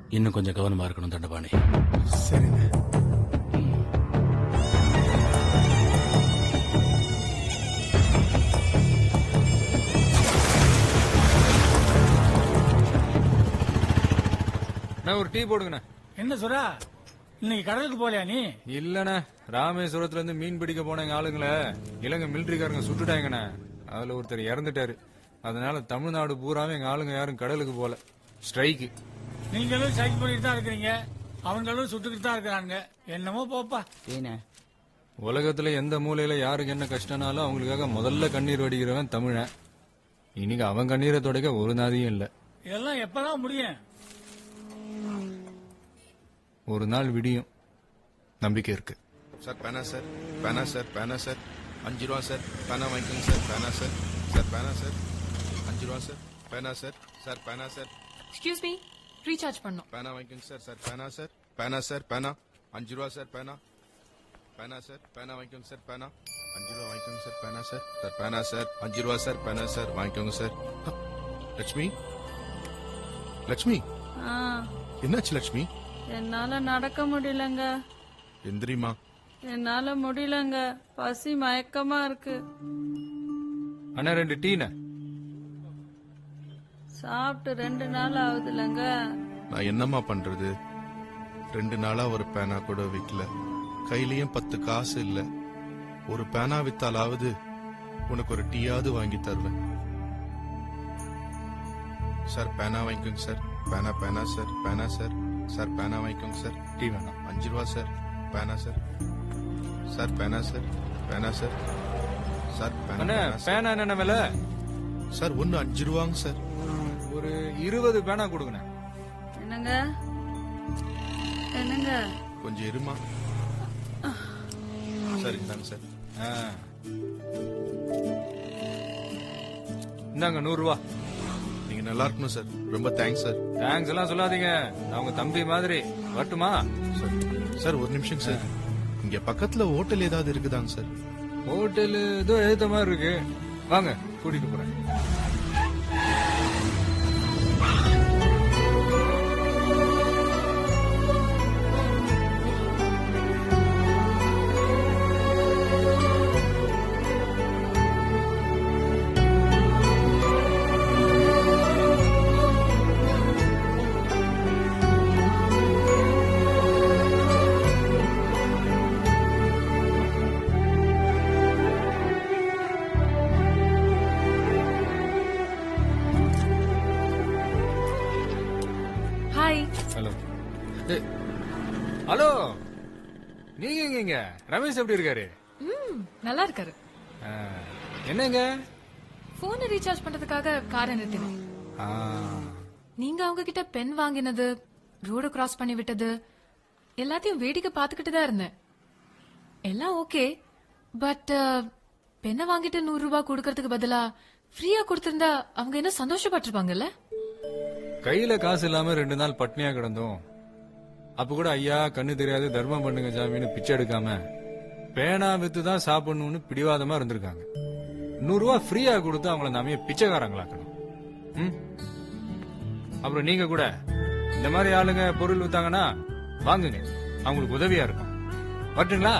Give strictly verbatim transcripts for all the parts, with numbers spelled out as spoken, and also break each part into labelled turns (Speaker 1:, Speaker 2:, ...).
Speaker 1: இன்னும் கொஞ்சம் கவனமா இருக்கணும் தண்டபாணி.
Speaker 2: சரிங்க.
Speaker 3: ஒரு டீ போடுங்கண்ணா.
Speaker 2: என்ன சுரா, இன்னைக்கு கடலுக்கு போலையா நீ?
Speaker 3: இல்லண்ணா, ராமேஸ்வரத்துல இருந்து மீன் பிடிக்க போன எங்க ஆளுங்களை இலங்கை மிலிட்டரிக்காரங்க சுட்டுட்டாங்கண்ணா. அதுல ஒருத்தர் இறந்துட்டாரு. அதனால தமிழ்நாடு பூராவே எங்க ஆளுங்க யாரும் கடலுக்கு போல. ஸ்ட்ரைக்கு.
Speaker 2: நீங்களும் ஸ்ட்ரைக் பண்ணிட்டு தான் இருக்கிறீங்க, அவங்களும் சுட்டுக்கிட்டு தான் இருக்கிறாங்க. என்னமோ போப்பா.
Speaker 3: உலகத்துல எந்த மூலையில யாருக்கு என்ன கஷ்டம்னாலும் அவங்களுக்காக முதல்ல கண்ணீர் வடிக்கிறவன் தமிழன். இன்னைக்கு அவன் கண்ணீரை துடைக்க ஒரு நாதியும் இல்ல.
Speaker 2: இதெல்லாம் எப்பதான் முடியும்?
Speaker 3: ஒரு நாள் விடியும், நம்பிக்கை இருக்கு.
Speaker 4: சார் பேனா சார், பேனா சார், பேனா சார், அஞ்சு ரூபா சார், பேனா வாங்கிக்கோங்க சார், பேனா சார், சார் பேனா சார், அஞ்சு ரூபா சார், பேனா சார், சார் பேனா சார்.
Speaker 5: எக்ஸ்கியூஸ் மீ, ரீசார்ஜ் பண்ணோம்.
Speaker 4: பேனா வாங்கிக்கோங்க சார், சார் பேனா சார், பேனா சார், பேனா அஞ்சு ரூபா சார், பேனா பேனா சார், பேனா வாங்கிக்கோங்க சார், பேனா அஞ்சு ரூபா வாங்கிக்கோங்க சார், பேனா சார், சார் பேனா சார், அஞ்சு ரூபா சார், பேனா சார் வாங்கிக்கோங்க சார். லட்சுமி, லட்சுமி, என்னாச்சு லட்சுமி?
Speaker 6: என்னால நடக்க முடியலங்க.
Speaker 4: எந்திரிமா.
Speaker 6: என்னால முடியலங்க, பசி மயக்கமா இருக்கு.
Speaker 3: அண்ணா ரெண்டு டீன.
Speaker 6: சாப்பிட்டு ரெண்டு நாள் ஆகுதுலங்க.
Speaker 4: நான் என்னம்மா பண்றது? ரெண்டு நாளா ஒரு பேனா கூட விக்கல, கையிலயும் பத்து காசு இல்ல. ஒரு பேனா வித்தாலாவது உனக்கு ஒரு டீயாவது வாங்கி தருவேன். சார் பேனா வாங்கிக்கோங்க சார், பேனா பேனா சார், பேனா சார், சார் பேனா வாங்கிக்கோங்க சார்.
Speaker 3: டீ வேணாம்.
Speaker 4: அஞ்சு ரூபா சார், பேனா சார், சார் பேனா சார், பேனா சார், சார் பேனா
Speaker 3: பேனா என்ன விலை?
Speaker 4: சார் ஒன்னு அஞ்சு ரூபாங்க சார்.
Speaker 3: ஒரு இருபது பேனா கொடுங்க.
Speaker 6: என்னங்க என்னங்க
Speaker 4: கொஞ்சம் இருமா. சரி தாங்க சார்.
Speaker 3: இந்தாங்க நூறு ரூபா.
Speaker 4: நீங்க நல்லா இருக்கணும் சார். ரொம்ப தேங்க்ஸ் சார்.
Speaker 3: தேங்க்ஸ் எல்லாம் சொல்லாதீங்க, நான் உங்க தம்பி மாதிரி. வரட்டுமா?
Speaker 4: சார் ஒரு நிமிஷம் சார், இங்க பக்கத்துல ஹோட்டல் ஏதாவது இருக்குதாங்க சார்?
Speaker 3: ஹோட்டல் ஏதோ எழுத்த மாதிரி இருக்கு, வாங்க கூட்டிட்டு போறேன். ஹலோ. ஹலோ, நீங்க எங்க? ரமேஷ் எப்படி இருக்காரு?
Speaker 5: நல்லா இருக்காரு.
Speaker 3: என்னங்க?
Speaker 5: போன் ரீசார்ஜ் பண்றதுக்காக காரை நிறுத்தினேன். நீங்க அவங்க கிட்ட பென் வாங்கினது, ரோடு கிராஸ் பண்ணி விட்டது எல்லாத்தையும் வேடிக்கை பாத்துக்கிட்டு தான் இருந்தேன். எல்லாம் ஓகே, பட் பெண்ணை வாங்கிட்டு நூறு ரூபாய் கொடுக்கறதுக்கு பதிலா ஃப்ரீயா கொடுத்திருந்தா அவங்க என்ன சந்தோஷப்பட்டிருப்பாங்கல்ல?
Speaker 3: கையில காசு இல்லாம ரெண்டு நாள் பட்னியா கிடந்தோம். அப்ப கூட ஐயா கண்ணு தெரியாது தர்மம் பண்ணுங்க சாமின்னு பிச்சை எடுக்காம பேனா வித்து தான் சாப்பிடணும்னு பிடிவாதமா இருந்திருக்காங்க. நூறு ரூபாய் ஃப்ரீயா கொடுத்து அவங்கள நாமே பிச்சைக்காரங்களாக்கணும். அப்புறம் நீங்க கூட இந்த மாதிரி ஆளுங்க பொருள் வித்தாங்கன்னா வாங்குங்க, அவங்களுக்கு உதவியா இருக்கும். வரட்டுங்களா?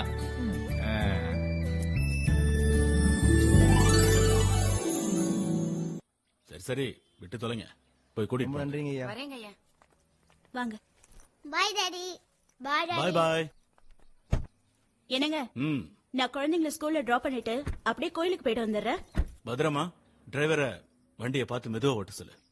Speaker 1: சரி சரி, விட்டு தொலைங்க, போய் கூட்டிட்டு
Speaker 7: நன்றிங்க.
Speaker 8: வரேங்க ஐயா. வாங்க. Bye daddy. Bye daddy.
Speaker 1: Bye bye.
Speaker 8: என்னங்க,
Speaker 1: ம்,
Speaker 8: நான் குழந்தைங்களை ஸ்கூல்ல டிராப் பண்ணிட்டு அப்படியே கோயிலுக்கு போயிட்டு வந்துடுறேன்.
Speaker 1: பத்திரமா டிரைவரை வண்டியை பார்த்து மெதுவா ஓட்ட சொல்லு.